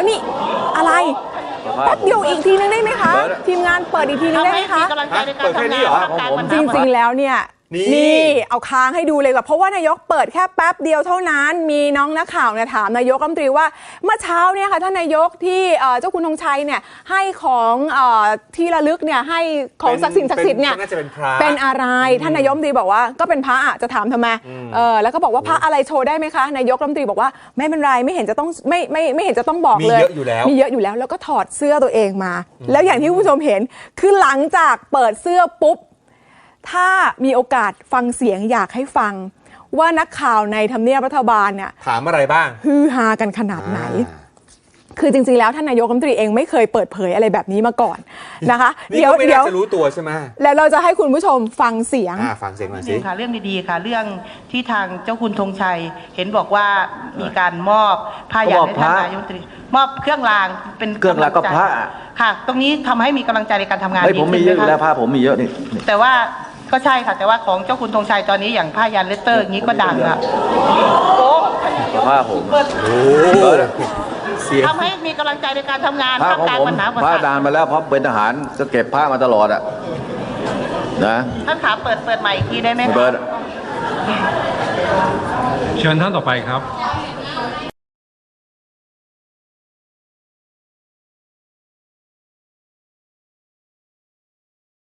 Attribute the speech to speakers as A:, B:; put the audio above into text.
A: นี่อะไรแป๊บเดียวอีกทีนึงได้ไหมคะทีมงานเปิดอีกทีนึงได้ไหมคะจริงๆแล้วเนี่ยนี่เอาค้างให้ดูเลยก่อนเพราะว่านายกเปิดแค่แป๊บเดียวเท่านั้นมีน้องนักข่าวเนี่ยถามนายกรัฐมนตรีว่าเมื่อเช้าเนี่ยค่ะท่านนายกที่เจ้าคุณธงชัยเนี่ยให้ของที่ระลึกเนี่ยให้ของศักดิ์สิทธิ์เนี่ยเป็นอะไรท่านนายกรัฐมนตรีบอกว่าก็เป็นพระจะถามทำไมแล้วก็บอกว่าพระอะไรโชว์ได้ไหมคะนายกรัฐมนตรีบอกว่าไม่เป็นไรไม่เห็นจะต้องไม่เห็นจะต้องบอกเลยมีเยอะอยู่แล้วแล้วก็ถอดเสื้อตัวเองมาแล้วอย่างที่คุณผู้ชมเห็นคือหลังจากเปิดเสื้อปุ๊บถ้ามีโอกาสฟังเสียงอยากให้ฟังว่านักข่าวในทำเนียบรัฐบาลเนี่ย
B: ถามอะไรบ้าง
A: ฮือฮากันขนาดไหนคือจริงๆแล้วท่านนายกรัฐมนตรีเองไม่เคยเปิดเผยอะไรแบบนี้มาก่อนนะคะ
B: เดี๋ยวจะรู้ตัวใช่ไหม
A: แล้วเราจะให้คุณผู้ชมฟังเสียง
B: หน่อยสิ
C: ค่ะเรื่องดีๆค่ะเรื่องที่ทางเจ้าคุณธงชัยเห็นบอกว่ามีการมอบผ้ายันให้ท่านนายกรัฐมนตรีมอบเครื่องรางเป็น
D: เครื่องรางก็พระ
C: ค่ะตรงนี้ทำให้มีกำลังใจในการทำงาน
D: ผมมีเยอะอยู่แล้วผ้าผมมีเยอะนี่
C: แต่ว่าก็ใช่ค่ะแต่ว่าของเจ้าคุณธงชัยตอนนี้อย่างผ้ายันเลสเตอร์อย่างนี้ก็ดังอ่ะโอ้
D: ผ้าผม
C: ทำให้มีกำลังใจในการทำงาน
D: ท่ามกลางปัญหาผ้านานมาแล้วเพราะเป็นทหารก็เก็บผ้ามาตลอดอ่ะนะ
C: ท่านขาเปิดใหม่อีกทีได้ไหม
D: เปิด
E: เชิญท่านต่อไปครับ